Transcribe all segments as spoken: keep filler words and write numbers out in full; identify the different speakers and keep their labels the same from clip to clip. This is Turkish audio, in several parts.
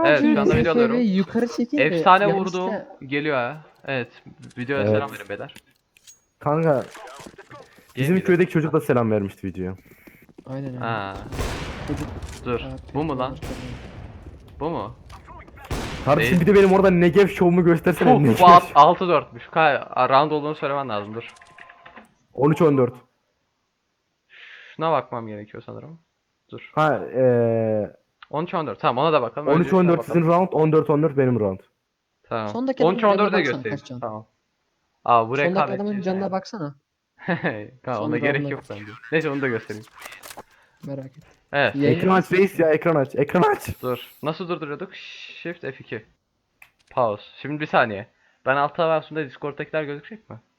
Speaker 1: Evet şu anda
Speaker 2: F F
Speaker 1: video alıyorum.
Speaker 2: V'yi yukarı çekeyim de
Speaker 1: Efsane
Speaker 2: yanlışlıkla-
Speaker 1: vurduğum geliyor ha. Evet. Videoya
Speaker 3: Evet.
Speaker 1: selam verin beyler.
Speaker 3: Kanka bizim
Speaker 1: Gel
Speaker 3: köydeki çocuk da selam vermişti videoya.
Speaker 2: Aynen öyle.
Speaker 1: Ha,
Speaker 2: Çocuk.
Speaker 1: dur.
Speaker 2: Aa,
Speaker 1: Bu mu lan?
Speaker 2: peki,
Speaker 1: Bu mu?
Speaker 3: Kardeşim
Speaker 1: Değil.
Speaker 3: bir de benim orada Negev şovumu göstersene.
Speaker 1: Puh,
Speaker 3: Negev.
Speaker 1: bu altı dörtmüş. Ka round olduğunu söylemen lazım dur.
Speaker 3: on üç on dört.
Speaker 1: Şuna bakmam gerekiyor sanırım. Dur.
Speaker 3: Ha eee
Speaker 1: on üç on dört. Tamam ona da bakalım.
Speaker 3: on
Speaker 1: Önce
Speaker 3: üç
Speaker 1: şuna
Speaker 3: on dört
Speaker 1: bakalım.
Speaker 3: sizin round, on dört on dört benim round.
Speaker 1: Tamam.
Speaker 2: Sondaki
Speaker 1: on üç
Speaker 2: adamın
Speaker 1: on dörde
Speaker 2: canına baksana,
Speaker 1: göstereyim.
Speaker 2: kaç can?
Speaker 1: Tamam. Aa bu
Speaker 2: Sondaki
Speaker 1: rekabet.
Speaker 2: adamın canına baksana.
Speaker 1: Kanka, ona
Speaker 2: Sonra
Speaker 1: gerek
Speaker 2: round'a
Speaker 1: yok bence. Neyse onu da göstereyim.
Speaker 2: Merak et.
Speaker 1: Evet.
Speaker 2: Yayın-
Speaker 3: Ekran aç reis ya, ekran aç. Ekran aç.
Speaker 1: Dur. Nasıl durduruyorduk? Shift F iki. Pause. Şimdi bir saniye. Ben altta versiyonda Discord'dakiler gözükecek mi?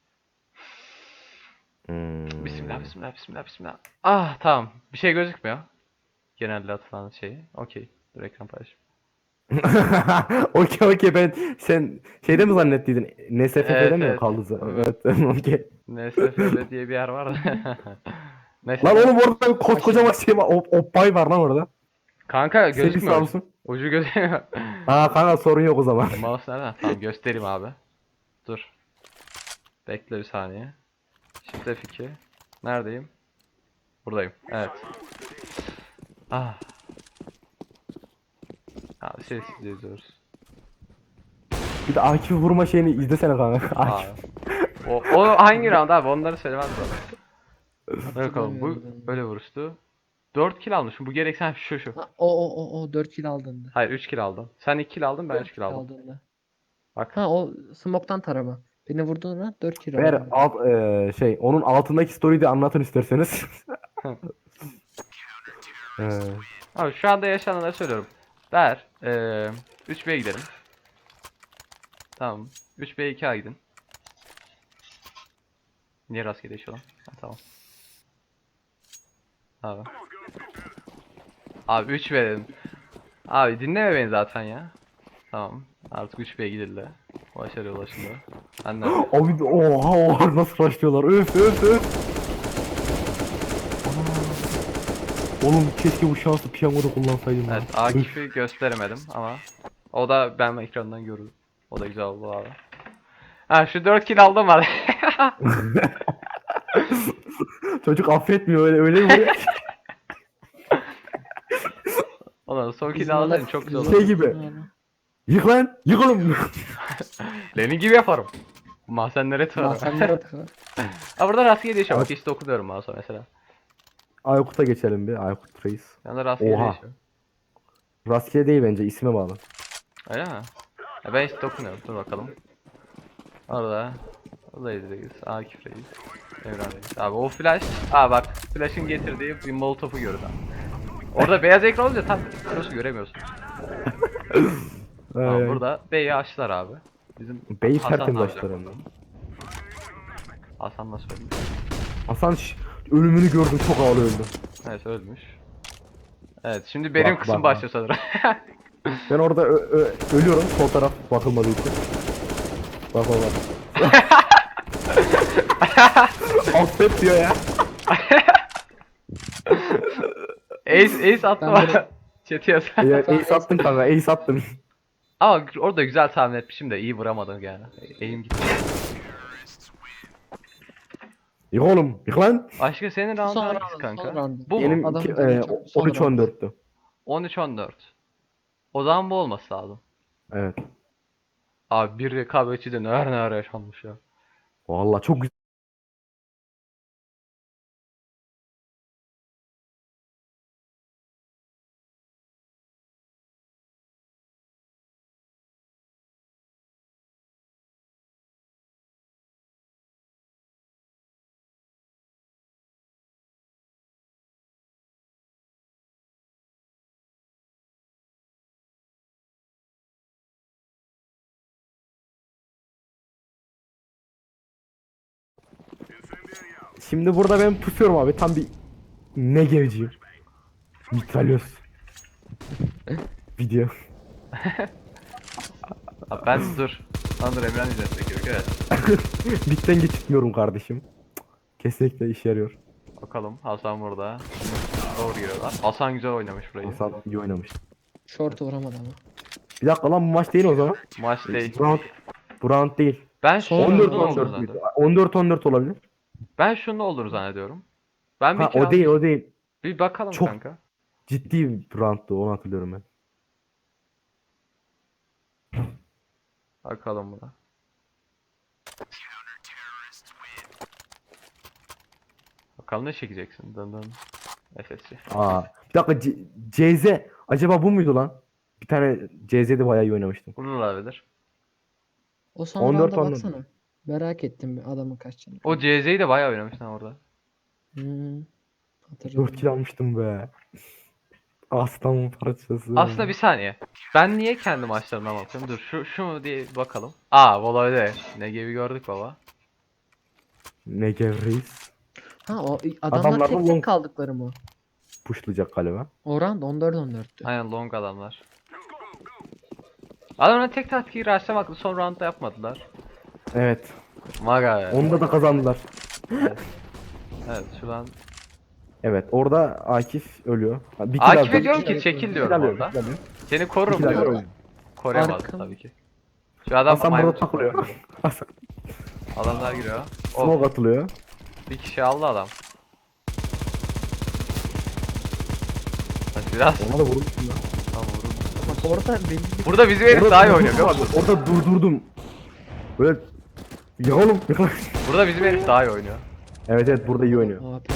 Speaker 3: Hmm.
Speaker 1: Bismillah, bismillah, bismillah, bismillah. Ah tamam. Bir şey gözükmüyor. Genelde atılan şeyi. Okey. Dur ekran paylaş.
Speaker 3: Okey okey, ben sen şeyde mi zannettiydin? N S F F'de
Speaker 1: Evet,
Speaker 3: mi
Speaker 1: evet.
Speaker 3: kaldı zaten? Evet okey.
Speaker 1: N S F L diye bir yer var da. Neyse.
Speaker 3: Lan oğlum orada bir koskocaman şey var. Op Oppay var lan orada.
Speaker 1: Kanka
Speaker 3: Sevgisi
Speaker 1: gözükmüyor.
Speaker 3: olsun.
Speaker 1: Ucu gözükmüyor.
Speaker 3: Aa kanka sorun yok o zaman.
Speaker 1: Mouse nerede? Tamam göstereyim abi. Dur. Bekle bir saniye. Shift F iki. Neredeyim? Buradayım. Evet. Ah. Abi sessizce izliyoruz.
Speaker 3: Bir de Akif'i vurma şeyini izlesene kanka.
Speaker 1: Aa.
Speaker 3: Akif.
Speaker 1: O, o hangi round abi? Onları söylemez bana. Hadi bakalım bu
Speaker 2: Hatırlamıyorum ben.
Speaker 1: böyle vuruştu. dört kill almışım. Bu gerek sen şu şu.
Speaker 2: Ha, o o o o dört kill aldığında.
Speaker 1: Hayır üç kill aldın. Sen iki kill aldın ben üç kill aldım.
Speaker 2: Aldığında.
Speaker 1: Bak.
Speaker 2: Ha o smoke'tan tarama. Beni vurduğunda dört kill
Speaker 3: Ver
Speaker 2: aldım.
Speaker 3: alt eee, şey onun altındaki story'i de anlatın isterseniz. Eee,
Speaker 1: Abi şu anda yaşananları söylüyorum. Ver. Eee üç B'ye gidelim. Tamam. üç B iki A gidin. Niye rastgele değişiyor lan? Ha, tamam. Abi. Abi üç B dedim. Abi dinleme beni zaten ya. Tamam. Artık üç B'ye gidildi. Başarıya ulaşıldı. Ben de
Speaker 3: Abi oha oha nasıl başlıyorlar. Öf öf öf. Aa. Oğlum keşke bu şansı piyangoda kullansaydım.
Speaker 1: evet,
Speaker 3: lan. Üf.
Speaker 1: Akif'i gösteremedim ama o da ben ekrandan görürdüm. O da güzel oldu abi. Ha şu dört kill aldım abi.
Speaker 3: Çocuk affetmiyor öyle öyle mi vuruyor?
Speaker 1: Ulan son kill
Speaker 2: Bizim
Speaker 1: alsaydın
Speaker 2: ona-
Speaker 1: çok güzel
Speaker 2: bizim-
Speaker 1: olurdu.
Speaker 3: Şey gibi. Yık lan yık oğlum.
Speaker 1: Lenin gibi yaparım. Mahzenlere tıkarım.
Speaker 2: Mahzenlere tıkla.
Speaker 1: Ha burada rastgele değişiyor. Bak işte okuyorum mouse'a mesela.
Speaker 3: Aykut'a geçelim bir. Aykut Reis.
Speaker 1: Yani rastgele
Speaker 3: Oha.
Speaker 1: değişiyor.
Speaker 3: Rastgele değil bence, isme bağlı.
Speaker 1: Öyle mi? Ya ben işte okunuyorum. Dur bakalım. Orada. Oradayız reis. Akif reis. Evren reis. Abi o flash. Aa bak. Flash'ın getirdiği bir molotof'u gördüm. Orada beyaz ekran olunca tam cross'u göremiyorsun. Tamam
Speaker 3: Ay,
Speaker 1: burada B'yi açtılar abi. Bizim
Speaker 3: Bey
Speaker 1: Hasan
Speaker 3: tertemiz
Speaker 1: ne
Speaker 3: açtılar
Speaker 1: yapacak?
Speaker 3: hem de.
Speaker 1: Hasan nasıl ölmüş?
Speaker 3: Hasan şş, ölümünü gördüm, çok ağır öldü.
Speaker 1: Evet ölmüş. Evet şimdi benim
Speaker 3: Bak,
Speaker 1: kısım
Speaker 3: bak,
Speaker 1: başlıyor sanırım.
Speaker 3: Ben orada ö- ö- ölüyorum, sol taraf bakılmadığı için. Bak bak bak. Affet diyor ya.
Speaker 1: Ace, Ace attı
Speaker 2: Ben
Speaker 1: bana.
Speaker 2: böyle-
Speaker 1: Chat'i yaz.
Speaker 3: Ya, ace attın kanka, ace attın.
Speaker 1: Ama orada güzel tahmin etmişim de iyi vuramadım yani. Eğim gitti.
Speaker 3: Yık oğlum, yık lan.
Speaker 1: Başka senin round
Speaker 2: Son
Speaker 1: hangisi
Speaker 2: round,
Speaker 1: kanka?
Speaker 2: son round.
Speaker 1: Bu mu?
Speaker 3: Benim
Speaker 2: Adamın
Speaker 3: iki-
Speaker 2: canı
Speaker 3: e,
Speaker 2: çok- son
Speaker 3: on üç on
Speaker 2: round.
Speaker 3: dörttü.
Speaker 1: on üç on dört. O zaman bu olması lazım.
Speaker 3: Evet.
Speaker 1: Abi bir rekabetçi de neler neler yaşanmış ya.
Speaker 3: Vallahi çok güzel. Şimdi burada ben pusuyorum abi, tam bir ne gevciyim. Mitralyoz. Video.
Speaker 1: Abi ben dur. Lan dur Emren izletmek gerekiyor evet.
Speaker 3: Bitten geçitmiyorum kardeşim. Kesinlikle işe yarıyor.
Speaker 1: Bakalım Hasan burada. Doğru giriyorlar. Hasan güzel oynamış burayı.
Speaker 3: Hasan iyi oynamış.
Speaker 2: Short vuramadı ama.
Speaker 3: Bir dakika lan bu maç değil o zaman.
Speaker 1: Maç değil.
Speaker 3: Bu round, bu round değil.
Speaker 1: Ben
Speaker 2: Son
Speaker 1: şunun
Speaker 3: on dört
Speaker 2: round
Speaker 1: olduğunu
Speaker 3: on dört müydü?
Speaker 1: zannediyorum.
Speaker 3: on dört on dört olabilir.
Speaker 1: Ben şunun olduğunu zannediyorum. Ben bir
Speaker 3: Ha
Speaker 1: kill
Speaker 3: o değil
Speaker 1: aldım.
Speaker 3: o değil.
Speaker 1: Bir bakalım
Speaker 3: Çok-
Speaker 1: kanka.
Speaker 3: Ciddi bir rounddu onu hatırlıyorum ben.
Speaker 1: Bakalım buna. Bakalım ne çekeceksin? Dın dın. F S C.
Speaker 3: Aa. Bir dakika C- CZ acaba bu muydu lan? Bir tane C Z'de bayağı iyi oynamıştım.
Speaker 1: Bunun olabilir.
Speaker 2: O son
Speaker 3: on dört
Speaker 2: rounda
Speaker 3: on dört.
Speaker 2: baksana. Merak ettim adamın kaç canı.
Speaker 1: O C Z'yi de bayağı oynamıştın orada.
Speaker 2: Hmm. Hatırladım.
Speaker 3: dört kill almıştım be. Aslan parçası.
Speaker 1: Aslında bir saniye. Ben niye kendi maçlarımdan bakıyorum? Dur şu şu mu diye bakalım. Aa Volo'da ne gibi gördük baba.
Speaker 3: Negev Reis
Speaker 2: Ha o adamlar
Speaker 3: Adamlar da
Speaker 2: tek
Speaker 3: long-
Speaker 2: tek kaldıkları mı?
Speaker 3: pushlayacak galiba.
Speaker 2: O round on dört on dörttü.
Speaker 1: Aynen long adamlar. Adamlar tek taktiği rushlamakla son roundda yapmadılar.
Speaker 3: Evet.
Speaker 1: Maga ya.
Speaker 3: Onda da kazandılar.
Speaker 1: Evet şu an.
Speaker 3: Evet orada Akif ölüyor. Ha, bir kill
Speaker 1: Akif'e
Speaker 3: aldı.
Speaker 1: diyorum
Speaker 3: Bir
Speaker 1: ki
Speaker 3: kill-
Speaker 1: çekil
Speaker 3: bir
Speaker 1: diyorum
Speaker 3: kill alıyor,
Speaker 1: orada.
Speaker 3: bir kill alıyor.
Speaker 1: Seni korurum
Speaker 3: Bir kill alıyor,
Speaker 1: diyorum.
Speaker 3: oynuyor.
Speaker 1: Koruyamaz
Speaker 2: Arkam-
Speaker 1: tabii ki. Şu adam
Speaker 3: Hasan
Speaker 1: maymun
Speaker 3: burada takılıyor. Hasan
Speaker 1: Adamlar giriyor. Oh,
Speaker 3: smoke atılıyor.
Speaker 1: bir kişi aldı adam. Bak biraz
Speaker 3: Ona da vurmuştum ya.
Speaker 1: tamam vurun.
Speaker 2: Bak orada belli bir
Speaker 1: Burada bizim herif
Speaker 3: Orada
Speaker 1: daha iyi
Speaker 3: durdurdum
Speaker 1: oynuyor biliyor
Speaker 3: abi,
Speaker 1: musun?
Speaker 3: Orada durdurdum. Böyle ya oğlum.
Speaker 1: Burada bizim herif daha iyi oynuyor.
Speaker 3: Evet evet burada iyi oynuyor.
Speaker 2: A P.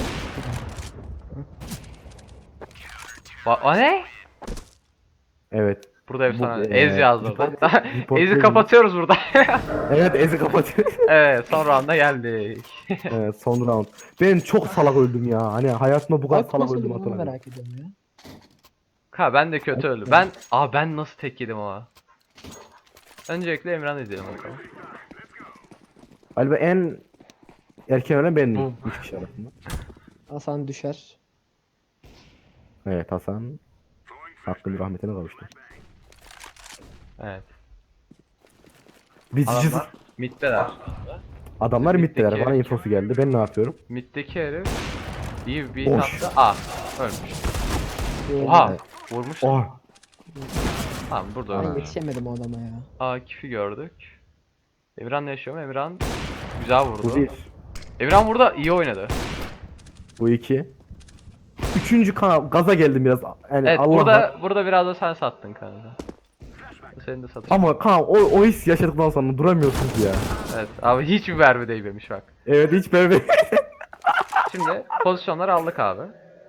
Speaker 1: Ba o ne?
Speaker 3: Evet.
Speaker 1: Burada efsane.
Speaker 3: Bu-
Speaker 1: Ez
Speaker 3: eee,
Speaker 1: yazdı
Speaker 3: report-
Speaker 1: orada.
Speaker 3: report
Speaker 1: Ez'i
Speaker 3: değil.
Speaker 1: kapatıyoruz burada.
Speaker 3: Evet Ezi kapatıyor.
Speaker 1: Evet son rounda geldik.
Speaker 3: Evet son round. Ben çok salak öldüm ya. Hani hayatımda bu kadar
Speaker 2: Bak
Speaker 3: salak
Speaker 2: nasıl
Speaker 3: öldüm
Speaker 2: bunu
Speaker 3: hatırlamıyorum.
Speaker 2: merak ediyorum ya.
Speaker 1: Ha ben de kötü öldüm. Ben aa ben nasıl tek yedim ama. Öncelikle Emran izleyelim bakalım.
Speaker 3: Galiba en erken ölen bendim.
Speaker 1: Bum.
Speaker 3: Üç kişi arasında.
Speaker 2: Hasan düşer.
Speaker 3: Evet Hasan. Hakkın rahmetine kavuştu.
Speaker 1: Evet.
Speaker 3: Biz
Speaker 1: Adamlar middeler.
Speaker 3: Adamlar
Speaker 1: Middeki
Speaker 3: middeler. Bana
Speaker 1: herif.
Speaker 3: infosu geldi. Ben ne yapıyorum?
Speaker 1: Middeki herif iyi bir
Speaker 3: Boş.
Speaker 1: attı. Aa ölmüş.
Speaker 2: Diğerini-
Speaker 1: Oha vurmuş.
Speaker 3: Oh.
Speaker 1: Tamam burada
Speaker 2: Ben
Speaker 1: ölmüş.
Speaker 2: yetişemedim o adama ya.
Speaker 1: Akif'i gördük. Emirhan ne yaşıyor mu? Emirhan güzel vurdu.
Speaker 3: Bu bir.
Speaker 1: Emirhan burada iyi oynadı.
Speaker 3: Bu iki. Üçüncü kanal gaza geldim biraz. Yani
Speaker 1: Evet
Speaker 3: Allah
Speaker 1: burada
Speaker 3: var.
Speaker 1: burada biraz da sen sattın kanka. Senin de satış.
Speaker 3: Ama kan o, o his yaşadıktan sonra duramıyorsunuz ya.
Speaker 1: Evet abi hiçbir verme değmemiş bak.
Speaker 3: Evet hiç böyle.
Speaker 1: Şimdi pozisyonları aldık abi.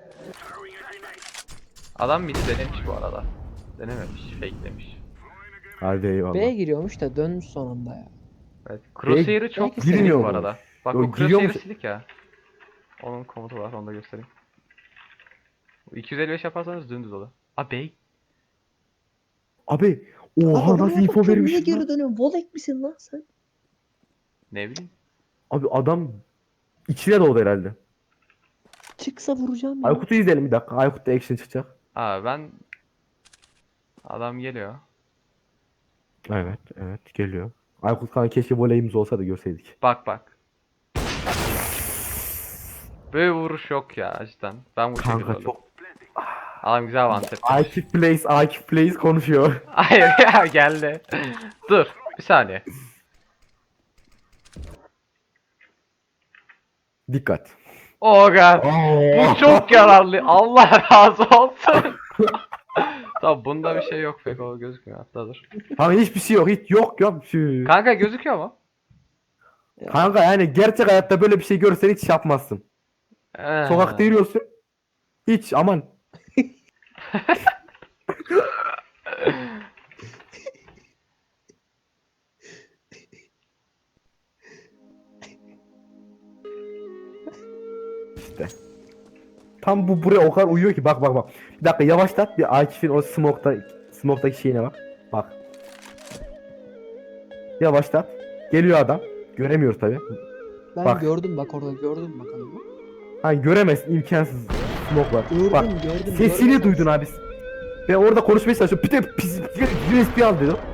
Speaker 1: Adam midi denemiş bu arada. Denememiş, fake demiş.
Speaker 3: Hadi eyvallah.
Speaker 2: B'ye giriyormuş da dönmüş sonunda ya.
Speaker 1: Evet, Crosshair'ı çok
Speaker 2: belki
Speaker 1: silik
Speaker 3: girmiyor
Speaker 1: bu
Speaker 3: mu?
Speaker 1: arada. Bak
Speaker 3: Yo,
Speaker 1: bu
Speaker 3: giriyormuş.
Speaker 1: Crosshair'ı silik ya. Onun komutu var, onu da göstereyim. iki yüz elli beş yaparsanız dümdüz olur. Aa bey.
Speaker 3: Abi oha nasıl info
Speaker 2: Niye
Speaker 3: vermiş
Speaker 2: geri
Speaker 3: lan?
Speaker 2: dönüyorsun? Volek misin lan sen?
Speaker 1: Ne bileyim.
Speaker 3: Abi adam içine doğdu herhalde.
Speaker 2: Çıksa vuracağım ya.
Speaker 3: Aykut'u izleyelim bir dakika. Aykut'ta action çıkacak.
Speaker 1: Aa ben... Adam geliyor.
Speaker 3: Evet evet geliyor. Aykut kan keşke voleyimiz olsa da görseydik.
Speaker 1: Bak bak. Böyle vuruş yok ya cidden. Ben bu şekilde
Speaker 3: Kanka
Speaker 1: öldüm.
Speaker 3: çok.
Speaker 1: Adam güzel one tap.
Speaker 3: Akif Plays, Akif Plays konuşuyor.
Speaker 1: Hayır ya geldi. Dur bir saniye.
Speaker 3: Dikkat.
Speaker 1: Oh god. Bu çok yararlı. Allah razı olsun. Tamam bunda bir şey yok pek o gözükmüyor hatta dur.
Speaker 3: Kanka hiçbir şey yok. Hiç yok yok. Şu.
Speaker 1: Kanka gözüküyor mu?
Speaker 3: Kanka yani gerçek hayatta böyle bir şey görsen hiç yapmazsın.
Speaker 1: Ee,
Speaker 3: Sokakta yürüyorsun. Hiç aman. İşte. Tam bu buraya o kadar uyuyor ki bak bak bak. Bir dakika yavaşlat bir Akif'in o smoke'ta smoke'taki şeyine bak. Bak. Yavaşlat. Geliyor adam. Göremiyoruz tabi.
Speaker 2: Ben
Speaker 3: Bak.
Speaker 2: gördüm bak orada gördüm bak adamı.
Speaker 3: Ha göremezsin imkansız. Smoke var.
Speaker 2: Gördüm
Speaker 3: Bak.
Speaker 2: gördüm.
Speaker 3: Sesini
Speaker 2: görmez
Speaker 3: duydun abi. Ben orada konuşmaya çalışıyorum. Bir de pis U S B al dedim.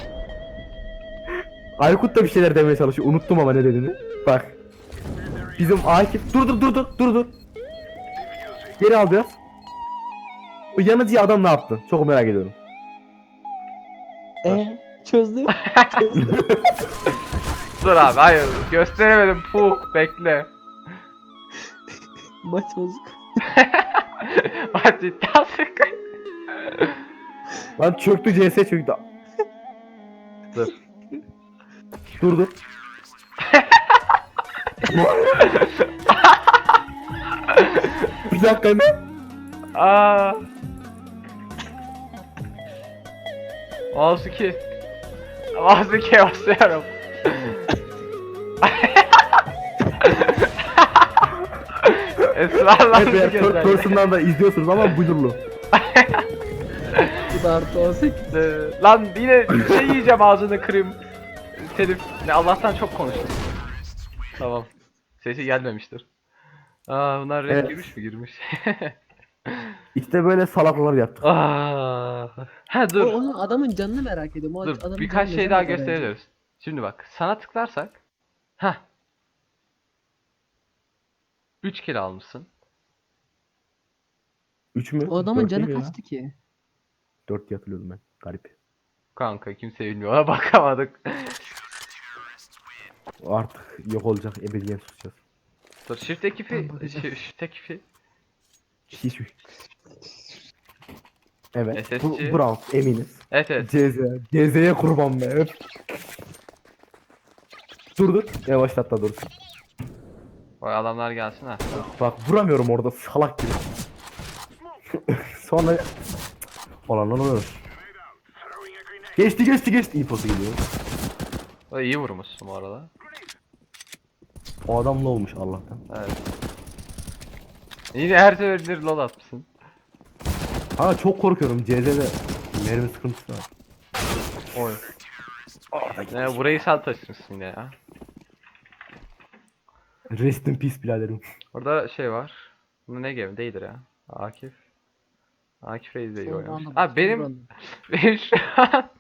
Speaker 3: Aykut da bir şeyler demeye çalışıyor. Unuttum ama ne dediğini. Bak. Bizim Akif dur dur dur dur dur dur. Geri al biraz. O yanıcı adam ne yaptı? Çok merak ediyorum.
Speaker 2: E çözdüm. Çözdüm.
Speaker 1: Dur abi hayır gösteremedim. Puh bekle.
Speaker 2: Maç bozuk.
Speaker 1: Bak cidden sık.
Speaker 3: Lan çöktü C S çöktü.
Speaker 1: Dur.
Speaker 3: Dur dur. Bir dakika ne?
Speaker 1: Aa. Mouse iki. Mouse ikiye basıyorum. Esrarla
Speaker 3: Evet eğer third person'dan da izliyorsunuz ama buyurlu.
Speaker 2: Bu da artı on sekiz.
Speaker 1: Ee, Lan yine şey yiyeceğim ağzını kırayım. Telif. Ne Allah'tan çok konuştum. Tamam. Sesi gelmemiştir. Aa bunlar red
Speaker 3: Evet.
Speaker 1: girmiş mi girmiş?
Speaker 3: İşte böyle salaklar yaptık.
Speaker 1: Aa. Ha
Speaker 2: O,
Speaker 1: dur.
Speaker 2: onun adamın canını merak ediyorum. O
Speaker 1: Dur
Speaker 2: adamın
Speaker 1: birkaç
Speaker 2: canı ne
Speaker 1: şey daha
Speaker 2: zaman kadar
Speaker 1: gösteriyoruz. Şimdi bak sana tıklarsak. Ha. üç kill almışsın.
Speaker 3: üç mü?
Speaker 2: O adamın
Speaker 3: Dört
Speaker 2: canı
Speaker 3: değil mi ya?
Speaker 2: kaçtı ki?
Speaker 3: dört diye hatırlıyordum ben. Garip.
Speaker 1: Kanka kimse bilmiyor. Ona bakamadık.
Speaker 3: Artık yok olacak. Ebediyen susacağız.
Speaker 1: Dur shift ekifi.
Speaker 2: Ben bakacağım.
Speaker 1: Shi- Shift ekifi.
Speaker 3: Hiç. Evet.
Speaker 1: S S
Speaker 3: Bu,
Speaker 1: C.
Speaker 3: Brown eminiz.
Speaker 1: Evet evet.
Speaker 3: C Z. C Z'ye kurban be. Öp. Dur dur. Yavaşlat da dur.
Speaker 1: Vay adamlar gelsin ha.
Speaker 3: Bak vuramıyorum orada salak gibi. Sonra olan oluyor. Geçti geçti geçti. İyi posu geliyor.
Speaker 1: Vay, iyi vurmuşsun bu arada.
Speaker 3: O adam ne olmuş Allah'tan.
Speaker 1: Evet. Yine her seferinde lol atmışsın.
Speaker 3: Ha çok korkuyorum. C Z'de mermi sıkıntısı var.
Speaker 1: Oy. Ne burayı sen taşımışsın yine ya.
Speaker 3: Rest in peace biraderim.
Speaker 1: Orada şey var. Bu ne game değildir ya. Akif. Akif Reis de iyi
Speaker 2: Son
Speaker 1: oynamış.
Speaker 2: rounda
Speaker 1: Abi
Speaker 2: bak,
Speaker 1: benim
Speaker 2: son rounda.
Speaker 1: benim şu an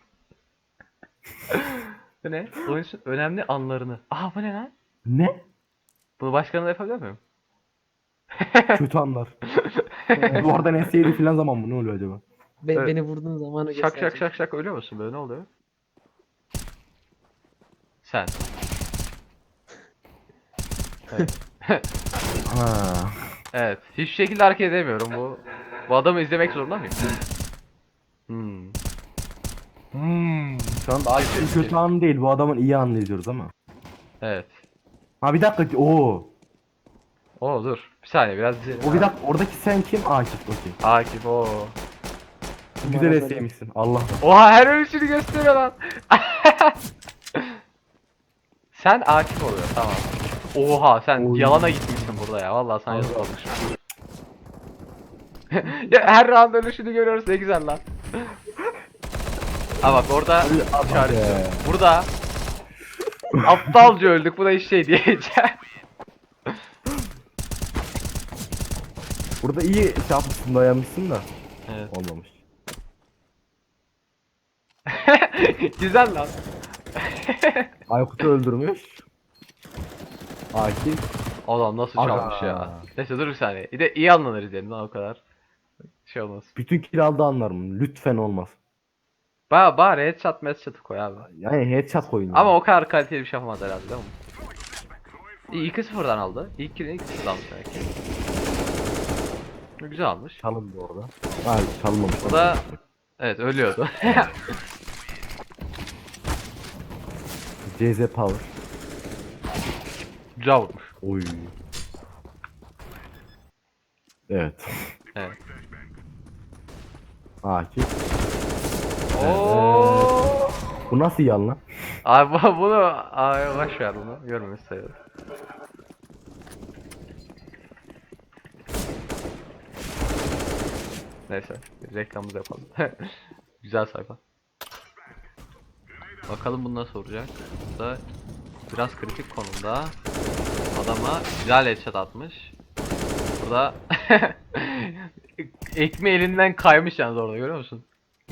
Speaker 1: bu ne? Oyunun önemli anlarını. Aha bu ne lan?
Speaker 3: Ne?
Speaker 1: Bunu başkanına yapabiliyor muyum?
Speaker 3: Kötü anlar. Duvardan S yedi filan zaman mı? Ne oluyor acaba?
Speaker 2: Be-
Speaker 1: Evet.
Speaker 2: Beni vurduğun zamanı
Speaker 1: Şak şak
Speaker 2: gösterecek.
Speaker 1: şak şak ölüyor musun böyle ne oluyor? Sen. Evet.
Speaker 3: Ha.
Speaker 1: Evet. Hiçbir şekilde hareket edemiyorum bu. Bu adamı izlemek zorunda mıyım? Hmm. Hmm.
Speaker 3: Şu an
Speaker 1: Daha
Speaker 3: bir
Speaker 1: kötü.
Speaker 3: kötü an değil. Bu adamın iyi anını izliyoruz ama.
Speaker 1: Evet.
Speaker 3: Ha bir dakika. Oo.
Speaker 1: Oo dur. Bir saniye biraz izleyelim.
Speaker 3: O bir dakika. Oradaki sen kim? Akif. Okey.
Speaker 1: Akif o.
Speaker 3: Güzel
Speaker 2: Bana
Speaker 3: S yemişsin. Allah.
Speaker 1: Oha her ölüşünü gösteriyor lan. Sen Akif oluyor tamam. Oha sen
Speaker 3: Oy.
Speaker 1: yalana gitmişsin burada ya. Vallahi sana yazık olmuş. Ya her round ölüşünü görüyoruz ne güzel lan. Ha bak orada işaret
Speaker 3: be.
Speaker 1: yok. Burada aptalca öldük. Buna hiç şey diyeceğim.
Speaker 3: Burada iyi şey yapmışsın, dayanmışsın da.
Speaker 1: Evet.
Speaker 3: Olmamış.
Speaker 1: Güzel lan.
Speaker 3: Aykut'u öldürmüş. Akif.
Speaker 1: Adam nasıl
Speaker 3: Aga.
Speaker 1: çalmış ya. Neyse dur bir saniye. Bir de iyi anlanır izleyelim lan o kadar. Şey olmaz.
Speaker 3: Bütün kill aldı anlar mı? Lütfen olmaz.
Speaker 1: Ba bari headshot headshot'ı koy abi.
Speaker 3: Yani headshot koyun.
Speaker 1: Ama
Speaker 3: ya.
Speaker 1: o kadar kaliteli bir şey yapamaz herhalde değil mi? İyi iki sıfırdan aldı. İlk killini iki sıfırdan almış demek ki. Güzel almış.
Speaker 3: Çalındı orada. Hayır çalınmamış.
Speaker 1: O da evet ölüyordu.
Speaker 3: C Z Power.
Speaker 1: Güzel vurmuş.
Speaker 3: Oy. Evet.
Speaker 1: Evet.
Speaker 3: Akif.
Speaker 1: Oo.
Speaker 3: Bu nasıl yan lan?
Speaker 1: Abi bu- bunu abi boş ver bunu. Görmemiş sayılır. Neyse reklamımızı yapalım. Güzel sayfa. Bakalım bunu nasıl olacak. Bu da biraz kritik konumda. Adama güzel headshot atmış. Burada ekmeği elinden kaymış yalnız orada görüyor musun?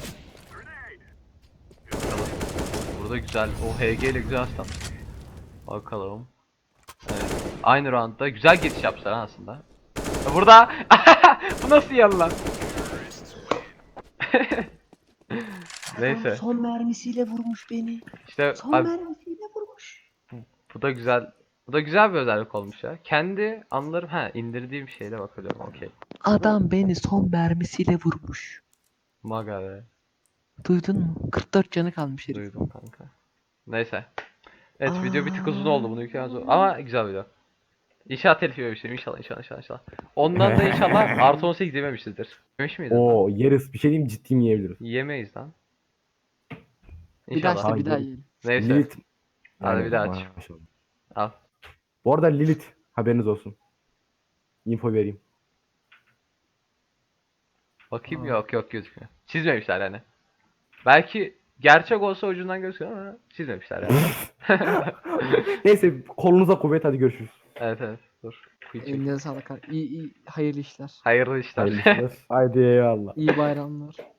Speaker 1: Burada güzel o H G ile güzel atmış. Bakalım. Evet. Aynı roundda güzel geçiş yapmışlar ha aslında. Burada bu nasıl yalan lan? Neyse.
Speaker 2: Son mermisiyle vurmuş beni.
Speaker 1: İşte
Speaker 2: Son
Speaker 1: abi,
Speaker 2: mermisiyle vurmuş.
Speaker 1: bu da güzel. Bu da güzel bir özellik olmuş ya. Kendi anlarım ha indirdiğim şeyle bakıyorum. Okey.
Speaker 2: Adam beni son mermisiyle vurmuş.
Speaker 1: Maga be.
Speaker 2: Duydun mu? kırk dört canı kalmış herif.
Speaker 1: Duydum kanka. Neyse. Evet video bir tık uzun
Speaker 2: Aa.
Speaker 1: oldu bunu yüklemez oldu. Ama güzel video. İnşallah telif yememiştim. İnşallah inşallah inşallah inşallah. Ondan da inşallah artı on sekiz yememişizdir. Yemiş miydin?
Speaker 3: Oo yeriz. Bir şey diyeyim ciddiyim yiyebiliriz.
Speaker 1: Yemeyiz lan.
Speaker 2: Bir daha
Speaker 1: İnşallah.
Speaker 2: işte bir daha
Speaker 3: Hayır.
Speaker 2: yiyelim.
Speaker 1: Neyse.
Speaker 3: Lilith.
Speaker 1: Hadi
Speaker 3: Aynen,
Speaker 1: bir daha aç.
Speaker 3: maşallah.
Speaker 1: Al.
Speaker 3: Bu arada Lilith haberiniz olsun. Info vereyim.
Speaker 1: Bakayım
Speaker 2: Aa.
Speaker 1: yok yok gözükmüyor. Çizmemişler yani. Belki gerçek olsa ucundan gözüküyor ama çizmemişler yani.
Speaker 3: Neyse kolunuza kuvvet hadi görüşürüz.
Speaker 1: Evet evet dur. Kuyu çek.
Speaker 2: Eline sağlık. İyi iyi hayırlı işler.
Speaker 1: Hayırlı işler.
Speaker 3: Hayırlı işler. Haydi eyvallah.
Speaker 2: İyi bayramlar.